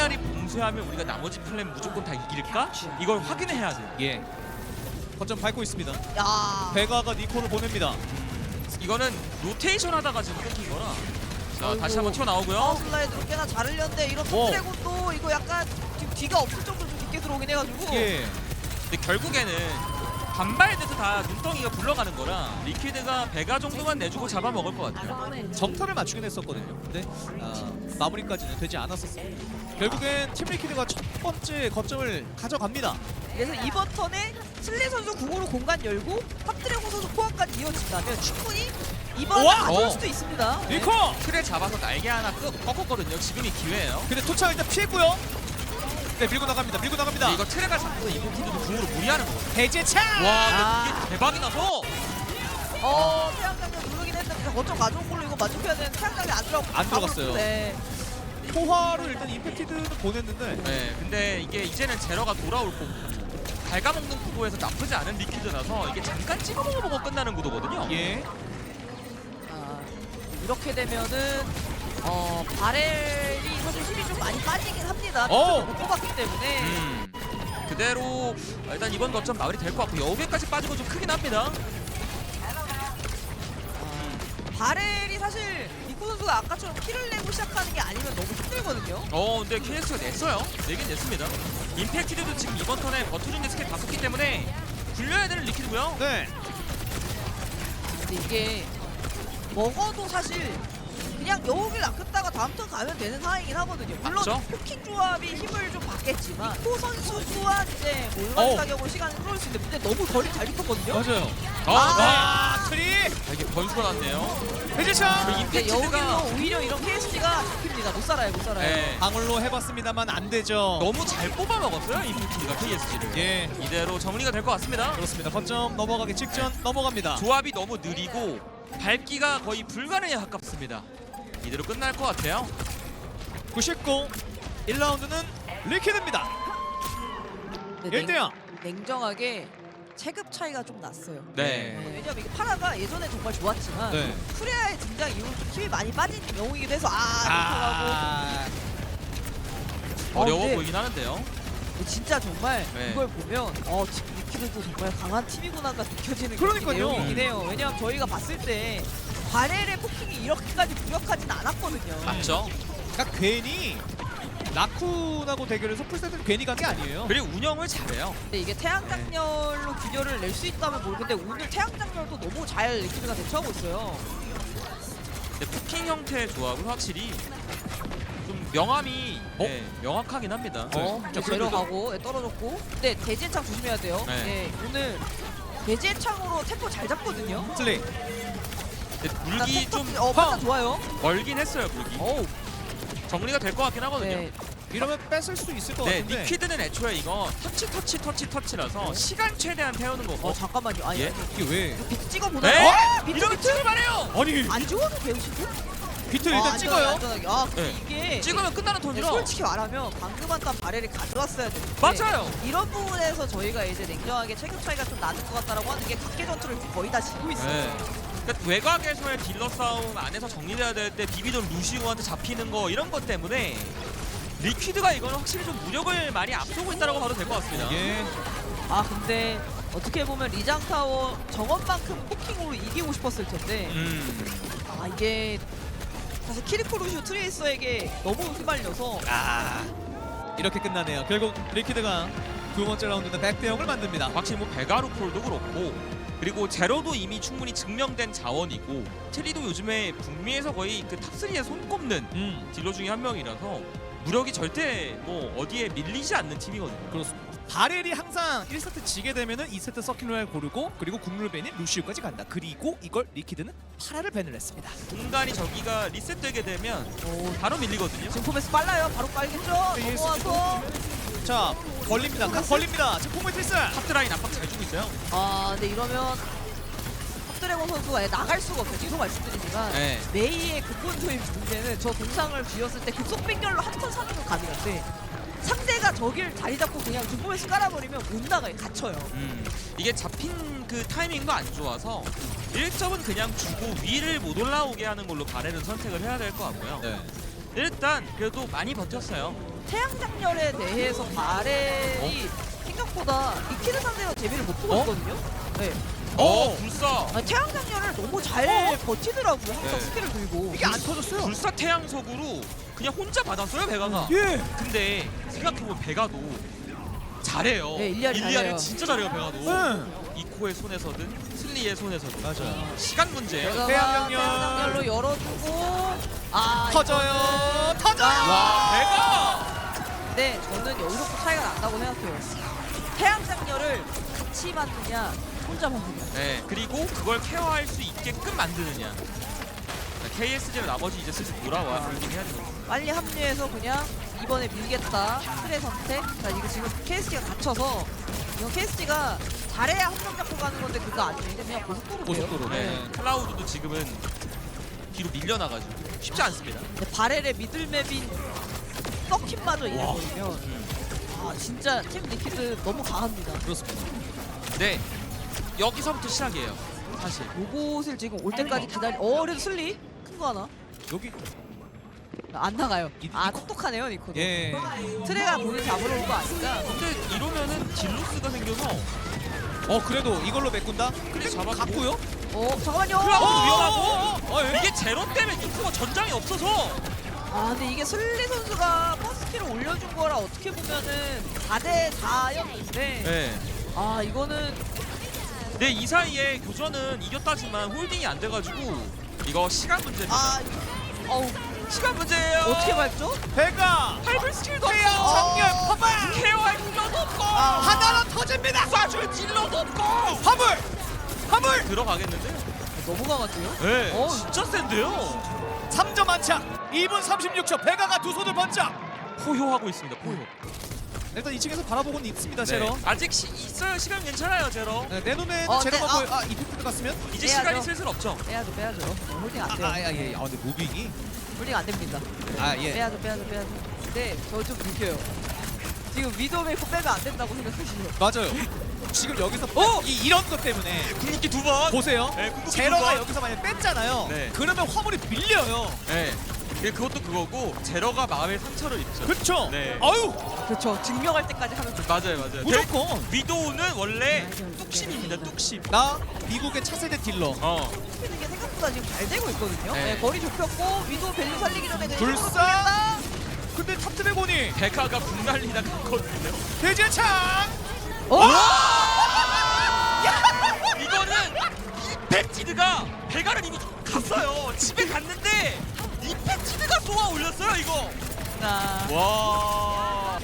마리 봉쇄하면 우리가 나머지 플랜 무조건 다 이길까? 이걸 확인해야 돼요. 예. 거점 밟고 있습니다. 야. 베가가 니코를 보냅니다. 이거는 로테이션 하다가 지금 끊긴 거라. 자, 아이고. 다시 한번 튀어나오고요. 파워슬라이드로 꽤나 잘 흘렸는데 이런 톱드래곤도 이거 약간 지금 뒤가 없을 정도로 좀 깊게 들어오긴 해가지고. 예. 근데 결국에는 반발돼서 다 눈덩이가 굴러가는 거라 리퀴드가 배가 정도만 내주고 잡아먹을 것 같아요. 정타를 맞추긴 했었거든요. 근데 마무리까지는 되지 않았었습니다. 결국엔 팀 리퀴드가 첫 번째 거점을 가져갑니다. 그래서 이번 턴에 슬리 선수 궁으로 공간 열고 탑드래곤 선수 포함까지 이어진다면 충분히 이번에 우와! 가져올 수도 있습니다. 네. 니코! 틀에 잡아서 날개 하나 꺾었거든요. 지금이 기회예요. 근데 토착 일단 피했고요. 네, 밀고 나갑니다. 밀고 나갑니다. 이거 트레가 잡고서 이벤트도 궁으로 무리하는 거거든요. 대제차! 와, 근데 이게 대박이 나서 태양장면 누르긴 했는데 거점 가져온 걸로 이거 만족해야 되는데 태양장이 안 들어갔어요. 네. 포화를 일단 임팩티드는 보냈는데 네, 근데 이게 이제는 제러가 돌아올 거고 갉아먹는 구도에서 나쁘지 않은 리퀴드라서 이게 잠깐 찍어먹어보고 끝나는 구도거든요. 예. 이렇게 되면은 바렐이 사실 힘이 좀 많이 빠지긴 합니다. 오! 못 뽑았기 때문에. 그대로 일단 이번 거점 마무리 될 것 같고 여우배까지 빠지고 좀 크긴 합니다. 바렐이 사실 니코 선수가 아까처럼 키를 내고 시작하는 게 아니면 너무 힘들거든요. 근데 KS가 냈어요. 내긴 냈습니다. 임팩티드도 지금 이번 턴에 버텨준데 스킬 다 썼기 때문에 굴려야 되는 리퀴드고요. 네. 근데 이게 먹어도 사실 그냥 여우길 낚였다가 다음 턴 가면 되는 상황이긴 하거든요. 물론 맞죠? 포킹 조합이 힘을 좀 받겠지만 니코 선수 또한 이제 몰만 사격으로 시간을 끌어올 수 있는데 근데 너무 거리 잘 붙었거든요. 맞아요. 트리! 이게 변수가 났네요. 대제차! 그 근데 임팩티드가 여우길로 오히려 이런 KSG가 잡힙니다. 못 살아요, 못 살아요. 네, 방울로 해봤습니다만 안 되죠. 너무 잘 뽑아먹었어요. 임팩티드가 KSG를. 예. 이대로 정리가 될 것 같습니다. 그렇습니다. 거점 넘어가기 직전 넘어갑니다. 조합이 너무 느리고 밟기가 거의 불가능에 가깝습니다. 이대로 끝날 것 같아요. 99 1라운드는 리퀴드입니다. 1대0. 냉정하게 체급 차이가 좀 났어요. 네. 왜냐면 이게 파라가 예전에 정말 좋았지만 네. 프레아의 등장 이후로 좀 힘이 많이 빠진 영웅이기도 해서 못하고 어려워 근데 보이긴 하는데요. 진짜 정말 네. 이걸 보면 지금 리퀴드도 정말 강한 팀이구나가 느껴지는 그러니까요. 내용이긴 해요. 왜냐면 저희가 봤을 때 바렐의 포킹이 이렇게까지 무력하진 않았거든요. 맞죠? 그러니까 괜히 라쿤하고 대결해서 풀세트를 괜히 간 게 아니에요. 그리고 운영을 잘해요. 근데 이게 태양장렬로 균열을 낼 수 있다면 모르겠는데 오늘 태양장렬도 너무 잘 리퀴드가 대처하고 있어요. 근데 포킹 형태의 조합은 확실히 좀 명암이 명확하긴 합니다. 내려가고 떨어졌고 근데 대지창 조심해야 돼요. 네. 네, 오늘 대지창으로 템포 잘 잡거든요. 슬리. 근데 물기 좀 판단 좋아요. 멀긴 했어요. 물기. 정리가 될 것 같긴 하거든요. 네. 이러면 뺏을 수 있을 것 네, 같은데. 리퀴드는 애초에 이거 터치라서 시간 최대한 태우는 거고. 잠깐만요. 아니, 예? 이게 왜? 비트 찍어보나요? 네? 비트 이러면 찍을 말해요. 아니 안 죽어도 배우시고? 비트 일단 찍어요. 안전하게. 근데 네. 이게 찍으면 끝나는 턴이라. 솔직히 말하면 방금 한단 바렐이 가져왔어야 되는데 맞아요. 이런 부분에서 저희가 이제 냉정하게 체급 차이가 좀 나는 것 같다라고 하는 게 각계 전투를 거의 다 지고 있어요. 네. 그러니까 외곽에서의 딜러 싸움 안에서 정리돼야 될 때 비비던 루시우한테 잡히는 거 이런 것 때문에 리퀴드가 이거는 확실히 좀 무력을 많이 앞서고 있다고 봐도 될 것 같습니다. 예. 근데 어떻게 보면 리장타워 정원만큼 포킹으로 이기고 싶었을 텐데 이게 사실 키리코 루시우 트레이서에게 너무 휘말려서 이렇게 끝나네요. 결국 리퀴드가 두 번째 라운드는 100대 0을 만듭니다. 확실히 뭐 베가루폴도 그렇고 그리고 제로도 이미 충분히 증명된 자원이고 체리도 요즘에 북미에서 거의 그 탑3에 손꼽는 딜러 중에 한 명이라서 무력이 절대 뭐 어디에 밀리지 않는 팀이거든요. 그렇습니다. 바렐이 항상 1세트 지게 되면은 2세트 서큘러를 고르고 그리고 국룰 밴인 루시우까지 간다. 그리고 이걸 리퀴드는 파라를 밴을 했습니다. 공간이 저기가 리셋되게 되면 바로 밀리거든요. 지금 포메스 빨라요. 바로 빨겠죠? 넘어와서 자, 걸립니다. 각 걸립니다. 지금 포메트리스. 탑드라인 압박 잘 주고 있어요. 근데 이러면 탑드래곤 선수가 아예 나갈 수가 없어요. 뒤로 말씀드리지만 네. 메이의 근본적인 문제는 저 동상을 쥐었을 때 급속 빙결로 한턴 사는 건 가능한데 상대가 저길 자리 잡고 그냥 중포메스 깔아버리면 못 나가요. 갇혀요. 이게 잡힌 그 타이밍도 안 좋아서 1점은 그냥 주고 위를 못 올라오게 하는 걸로 바렐은 선택을 해야 될 것 같고요. 네. 일단 그래도 많이 버텼어요. 태양장렬에 대해서 바렐이 생각보다 리퀴드 상대로 재미를 못 보고 있거든요. 네. 불사. 아니, 태양장렬을 너무 잘 버티더라고요. 항상 네. 스킬을 들고. 이게 안 터졌어요. 불사 태양석으로 그냥 혼자 받았어요 베가가. 예. 근데 생각해보면 베가도 잘해요. 네, 일리아리 잘해요. 진짜 잘해요 베가도. 응. 이코의 손에서든 슬리의 손에서든. 맞아요. 시간 문제예요. 베가가 태양장렬. 태양장렬로 열어주고 터져요. 터져요. 와 베가. 네, 저는 여기서부터 차이가 난다고 생각해요. 태양장렬을 같이 맞느냐 혼자 맞느냐. 네 그리고 그걸 케어할 수 있게끔 만드느냐. KSG는 나머지 이제 슬슬 돌아와 돌긴 해야 되거든요. 빨리 합류해서 그냥 이번에 밀겠다 틀의 선택. 자 이거 지금 KSG가 갇혀서 이건 KSG가 잘해야 한 명 잡고 가는 건데 그거 아니에요. 그냥 고속도로예요. 고속도로. 네. 클라우드도 지금은 뒤로 밀려나가지고 쉽지 않습니다. 근데 바렐의 미들맵인 서킷마저 이래버리면 아 진짜 팀 리퀴드 너무 강합니다. 그렇습니다. 네 여기서부터 시작이에요 사실. 요것을 지금 올 때까지 기다리. 그래도 슬리 큰 거 하나 여기 안 나가요. 아 니코. 똑똑하네요 니코도. 예. 트레가 본인 잡으러 온 거 아닌가. 근데 이러면은 딜로스가 생겨서 그래도 이걸로 메꾼다. 그래 잡아주고. 갔고요. 잠깐만요. 클라우드 위험하고. 예. 이게 제로 때문에 니코가 전장이 없어서. 아 근데 이게 슬리 선수가 퍼스키를 올려준 거라 어떻게 보면은 4대 4였는데 네. 아 이거는 네, 이 사이에 교전은 이겼다지만 홀딩이 안 돼가지고 이거 시간 문제입니다. 어우 시간 문제예요. 어떻게 밟죠? 배가 파이블 스킬도 없고 장렬 화물 케어할 딜러도 없고 하나로 터집니다. 쏴줄 딜러도 없고 화물 들어가겠는데? 너무 강한데요? 네, 진짜 센데요. 3점 안착. 2분 36초. 배가가 두 손을 번쩍. 포효하고 있습니다. 포효. 일단 2층에서 바라보고는 있습니다. 네. 제로. 아직 있어요. 시간 괜찮아요, 제로. 네, 내 눈에는 네, 제로가 보여. 이펙트 갔으면? 이제 빼야죠. 시간이 슬슬 없죠. 빼야죠 홀딩 안 돼요. 예. 근데 무빙이. 홀딩 안 됩니다. 예. 빼야죠 근데 저 좀 느껴요. 지금 위도우 메이커 빼면 안 된다고 생각하시죠? 맞아요. 지금 여기서 이런 것 때문에 궁극기 두 번. 보세요. 네, 궁극기 두 제로가 번. 여기서 만약 뺐잖아요. 네. 그러면 화물이 밀려요. 네. 그것도 그거고 제로가 마음의 상처를 입죠. 그렇죠. 네. 아유, 그렇죠. 증명할 때까지 하면 좋죠. 맞아요. 무조건. 위도우는 원래 뚝심입니다. 뚝심. 나 미국의 차세대 딜러. 는 게 생각보다 지금 잘 되고 있거든요. 네. 네, 거리 좁혔고 위도우 밸류 살리기 전에 그냥 불사! 힘으로 돌린다. 근데 탑드래곤이 베카가 분날리다 갔거든요. 대제창. 이거는 이펙티드가 베가를 이미 갔어요. 집에 갔는데 이펙티드가 쏘아 올렸어요. 이거. 자, 와.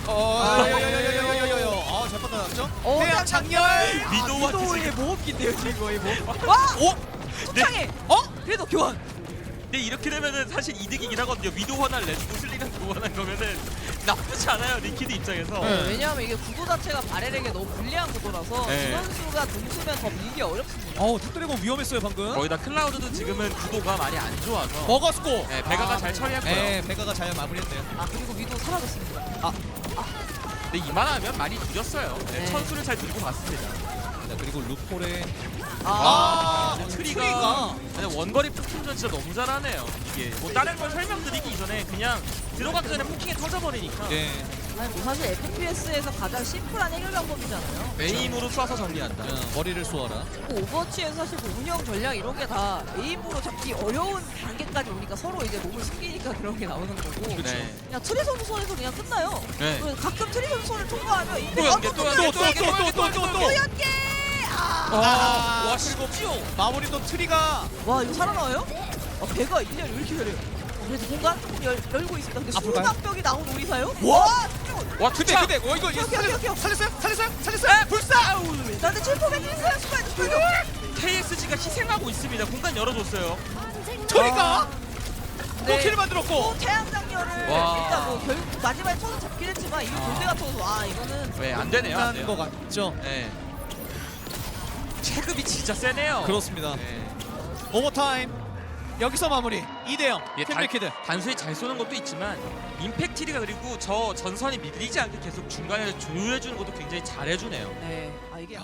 잘 뻗어놨죠? 어, 태양 장렬. 위도우와 위도우의 지금. 모험기인데요 지금 거의 뭐. 와! 오, 초창에! 그래도 교환! 근데 이렇게 되면은 사실 이득이긴 하거든요. 위도우 하나를 내주고 슬리가 교환한 거면은 나쁘지 않아요. 리퀴드 입장에서. 네, 왜냐하면 이게 구도 자체가 바렐에게 너무 불리한 구도라서 네. 두 선수가 동수면 더 밀기 어렵습니다. 탑드래곤 위험했어요 방금. 거기다 클라우드도 지금은 구도가 많이 안 좋아서. 먹었고. 네, 베가가 잘 처리했고요. 네, 베가가 잘 마무리했네요. 아 그리고 위도우 사라졌습니다. 근데 이만하면 많이 느렸어요. 네, 네. 천수를 잘 들고 갔습니다. 자, 그리고 루폴의 트리가 근데 원거리 포킹전 진짜 너무 잘하네요. 이게 뭐 다른 걸 설명드리기 이전에 그냥 들어가기 전에 포킹에 터져버리니까 네. 아니 뭐 사실 FPS에서 가장 심플한 해결 방법이잖아요. 에임으로 쏴서 정리한다. 머리를 쏘아라. 뭐 오버워치에서 사실 뭐 운영 전략 이런 게 다 에임으로 잡기 어려운 단계까지 오니까 서로 이제 몸을 숨기니까 그런 게 나오는 거고 네. 그냥 트리 선수 손에서 그냥 끝나요. 네. 그래서 가끔 트리 선수 손을 통과하면 이 또 연계, 또 연계, 또 연계, 또 연계, 또 연계, 또 연계. 연계! 와 쉽지요. 마무리도 트리가 와 이거 살아나와요? 배가 1년 왜 이렇게 잘해요? 그래서 공간 조금 열고 있습니다. 근데 앞으로 가요? 수납벽이 나온 오리사요? 와! 와 근데 투차. 이거 오케이. 살렸어요? 불사! 나한테 7포백 있어요. 수고해. KSG가 희생하고 있습니다. 공간 열어줬어요. 트리가 네. 킬을 만들었고. 또 태양 장렬을 와. 일단 뭐 결국 마지막에 쳐서 잡긴 했지만 이거 골대가 터서 와 이거는 왜 안 되네요. 안 끝난 것 돼요. 같죠? 네. 체급이 진짜 세네요. 그렇습니다. 네. 오버타임. 여기서 마무리. 2대0. 예, 팀리퀴드. 단순히 잘 쏘는 것도 있지만 임팩티리가 그리고 저 전선이 밀리지 않게 계속 중간에 조율해주는 것도 굉장히 잘해주네요. 네. 아 이게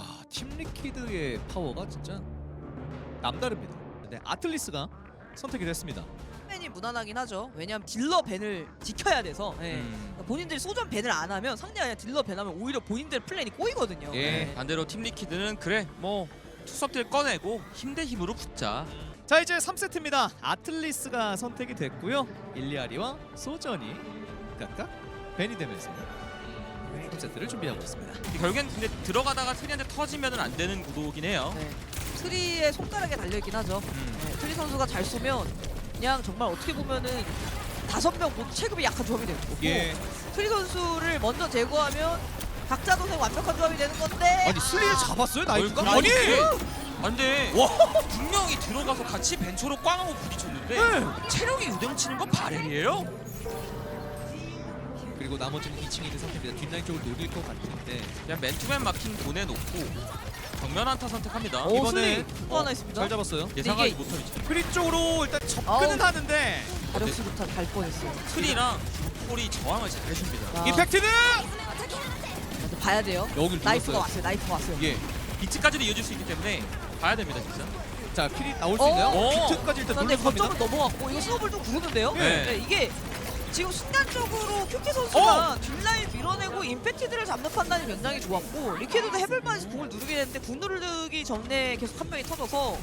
팀리퀴드의 파워가 진짜 남다릅니다. 네, 아틀리스가 선택이 됐습니다. 확신이 무난하긴 하죠. 왜냐하면 딜러 밴을 지켜야 돼서 본인들이 소전 밴을 안 하면 상대가 그냥 딜러 밴하면 오히려 본인들 플랜이 꼬이거든요. 예. 반대로 팀 리퀴드는 그래 뭐 투석들 꺼내고 힘 대 힘으로 붙자. 자 이제 3세트입니다. 아틀리스가 선택이 됐고요. 일리아리와 소전이 각각 밴이 되면서 3세트를 준비하고 있습니다. 결국엔 근데 들어가다가 트리한테 터지면은 안 되는 구도긴 해요. 네. 트리의 손가락에 달려있긴 하죠. 네, 트리 선수가 잘 쏘면 그냥 정말 어떻게 보면은 5명 모두 체급이 약한 조합이 되는 거고 예. 트리 선수를 먼저 제거하면 각자 동생 완벽한 조합이 되는 건데 아니 슬리를 잡았어요 나이프가? 아니, 아니! 안돼. 와! 분명히 들어가서 같이 벤처로 꽝하고 부딪혔는데 네. 체력이 유dem치는 건 바렐이에요. 그리고 나머지는 2층에 있는 상태입니다. 뒷라인 쪽을 노릴 것 같은데 그냥 맨투맨 마킹 보내놓고 정면 한타 선택합니다. 오, 이번에 슬리 또 하나 있습니다. 잘 잡았어요. 예상하지 이게- 못한 위치. 크리 쪽으로 일단 접근은 아우. 하는데 가력수부터 갈 뻔했어요. 트리랑 폴이 저항을 잘 해줍니다. 아, 임팩트는 근데 봐야 돼요. 여길 나이프가 눌렀어요. 왔어요. 나이프가 왔어요. 예. 비트까지도 이어질 수 있기 때문에 봐야 됩니다 진짜. 자 필이 나올 수 있나요? 오. 비트까지 일단 그런데 눌러 갑니다. 거점은 넘어갔고 이거 스노볼도 구르는데요. 네. 네, 이게 지금 순간적으로 큐키 선수가 뒷라인 밀어내고 임팩티드를 잡는 판단이 굉장히 좋았고 리퀴드도 해볼만해서 궁을 누르게 됐는데 궁 누르기 전에 계속 한 명이 터져서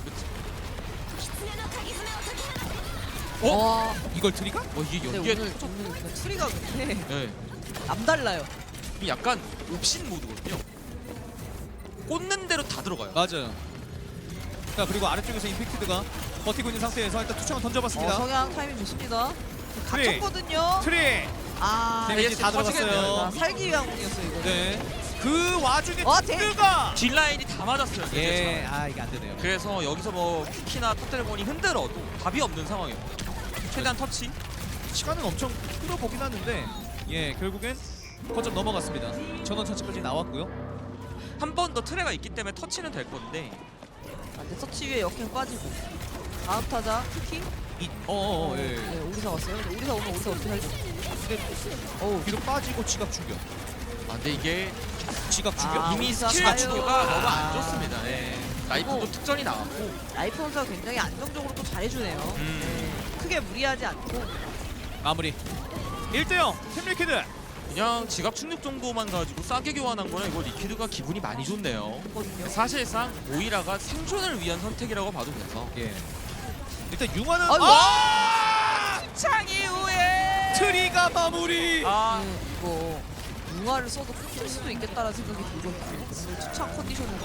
와 이걸 트리가? 이게 근데 연기에 오늘 오늘 트리가 근데 네. 남달라요. 이 약간 옵신 모드거든요. 꽂는 대로 다 들어가요. 맞아요. 자 그리고 아래쪽에서 임팩트드가 버티고 있는 상태에서 일단 투창을 던져봤습니다. 성향 타이밍 좋습니다. 트리. 갇혔거든요. 트리. 아, 데미지 다 들어갔어요. 아, 살기 위한 궁이었어요 이거. 네. 그 와중에 와, 트리가 뒷라인이 다 맞았어요. 예. 아 이게 안 되네요. 그래서 여기서 뭐 큐키나 탑드래곤이 흔들어도 답이 없는 상황이에요. 최대한 터치. 시간은 엄청 끌어보긴 하는데 예 결국엔 거점 넘어갔습니다. 전원 차치까지 나왔고요. 한 번 더 트레가 있기 때문에 터치는 될 건데 아, 근데 서치 위에 역행 빠지고 다음 타자 큐키. 예. 네, 오리사 왔어요. 근데 오리사 오면 오리사 어떻게 살죠? 어우, 뒤로 빠지고 지각 충격. 근데 이게 지각 충격. 아, 이미 오리사 스킬 가요. 주기가 너무 아. 안 좋습니다. 예. 나이프도 그리고- 특전이 나왔고 라이프 선수가 굉장히 안정적으로 또 잘해주네요. 네, 크게 무리하지 않고. 마무리. 1대0 팀리퀴드. 그냥 지갑 충격 정도만 가지고 싸게 교환한 거는 이거 리퀴드가 기분이 많이 좋네요. 했거든요. 사실상 오이라가 생존을 위한 선택이라고 봐도 돼서 예. 일단 융화는 아이고. 창 이후에 트리가 마무리. 네, 이거 융화를 써도 끊길 수도 있겠다라는 생각이 들거든요. 오늘 추천 컨디션으로.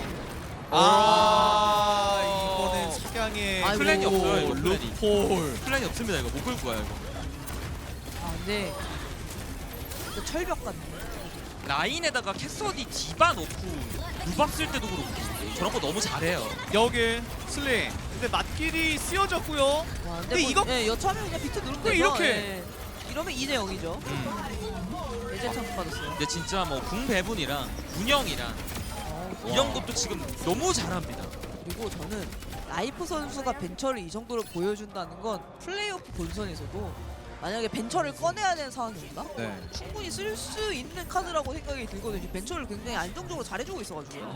이거는 석양의 아이고. 플랜이 없어요, 이거 플랜이. 루폴. 플랜이 없습니다. 이거 못 끌고 가요. 이거. 아, 근데 이거 철벽 같네. 라인에다가 캐서디 디바 넣고 루박 쓸 때도 그렇고 저런 거 너무 잘해요. 여기 슬링. 근데 맞길이 쓰여졌고요. 와, 근데 뭐, 이거- 예, 여차하면 그냥 비트 누르면 그래, 되죠. 이렇게. 예. 이러면 2대 0이죠. 예전 참 받았어요. 근데 진짜 뭐 궁 배분이랑 운영이랑 이런 것도 지금 너무 잘합니다. 그리고 저는 라이프 선수가 벤처를 이 정도로 보여준다는 건 플레이오프 본선에서도 만약에 벤처를 꺼내야 되는 상황이 온다? 네. 충분히 쓸 수 있는 카드라고 생각이 들거든요. 벤처를 굉장히 안정적으로 잘해주고 있어가지고요.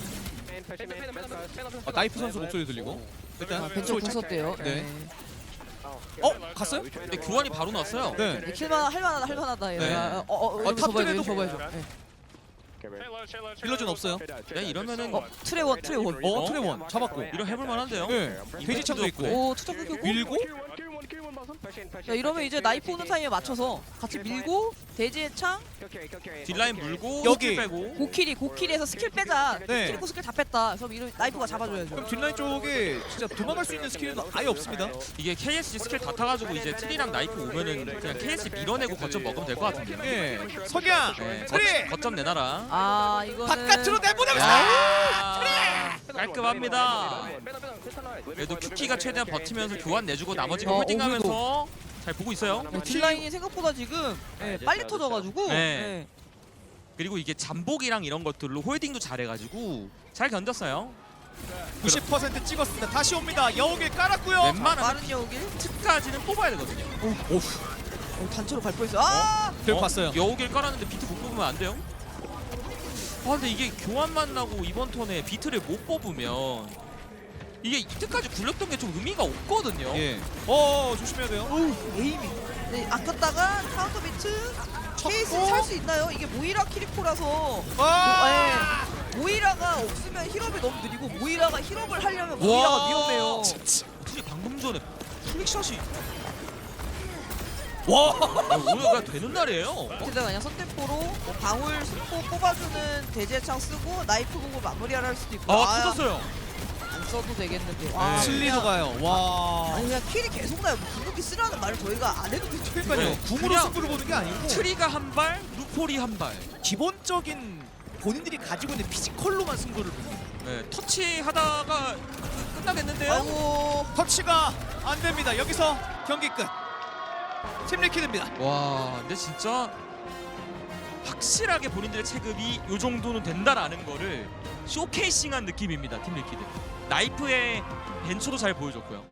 나이프 선수 목소리 들리고. 일단 아, 벤처 궁 썼대요. 네. 네. 갔어요? 근데 교환이 바로 났어요. 네. 네, 킬만 할만하다. 네. 여기서 봐야죠. 탑들에도 여기서 봐야죠. 네. 빌러준 없어요. 네, 이러면은 트레원. 트레원 잡았고. 이런 해볼 만한데요. 네. 돼지창도 있고. 오, 투척 끊겼고. 밀고 자, 이러면 이제 나이프 오는 타임에 맞춰서 같이 밀고 대지의 창 뒷라인 물고 여기. 스킬 빼고 고킬에서 스킬 빼자. 네. 스킬 있고 스킬 다 뺐다. 그럼 이런 나이프가 잡아줘야죠. 그럼 뒷라인 쪽에 진짜 도망갈 수 있는 스킬은 아예 없습니다. 이게 KSG 스킬 다 타가지고 이제 트리랑 나이프 오면은 그냥 KSG 밀어내고 거점 먹으면 될 것 같은데. 예. 석양. 네, 트리. 거점 내놔라. 아, 이거는 바깥으로 내보내면서. 깔끔합니다. 그래도 큐키가 최대한 버티면서 교환 내주고 나머지가 어, 홀딩하면서 잘 보고 있어요. 네, 딜라인이 생각보다 지금 빨리 터져가지고 네. 네. 그리고 이게 잠복이랑 이런 것들로 홀딩도 잘해가지고 잘 견뎠어요. 90% 찍었습니다. 다시 옵니다. 여우길 깔았고요. 웬만하면 빠른 여우길 특까지는 뽑아야 되거든요. 단체로 갈 뻔했어요. 아! 결국 봤어요. 여우길 깔았는데 비트 못 뽑으면 안 돼요? 아 근데 이게 교환만 나고 이번 턴에 비트를 못 뽑으면 이게 이때까지 굴렸던 게 좀 의미가 없거든요. 예. 조심해야 돼요. 에이밍. 네, 아꼈다가 카운터 비트. 케이스 살 수 있나요? 이게 모이라 키리코라서 모이라가 없으면 힐업이 너무 느리고 모이라가 힐업을 하려면 모이라가 위험해요. 어떻게 방금 전에 플릭샷이 와. 오늘 그냥 되는 날이에요. 게다가 그냥 선템포로 뭐 방울 스포 뽑아주는 대제창 쓰고 나이프 공을 마무리를 할 수도 있고 터졌어요. 안 써도 되겠는데 네. 슬리도 가요. 와. 아니 그냥 킬이 계속 나요. 궁극기 쓰라는 말을 저희가 안 해도 되죠. 그러니까요. 네. 궁으로 그냥 승부를 보는 게 아니고 트리가 한 발, 루폴이 한 발. 기본적인 본인들이 가지고 있는 피지컬로만 승부를 보는. 네, 터치하다가 끝나겠는데요. 아이고 터치가 안 됩니다. 여기서 경기 끝. 팀 리퀴드입니다. 와, 근데 진짜 확실하게 본인들의 체급이 이 정도는 된다라는 거를 쇼케이싱한 느낌입니다. 팀 리퀴드. 나이프의 벤처도 잘 보여줬고요.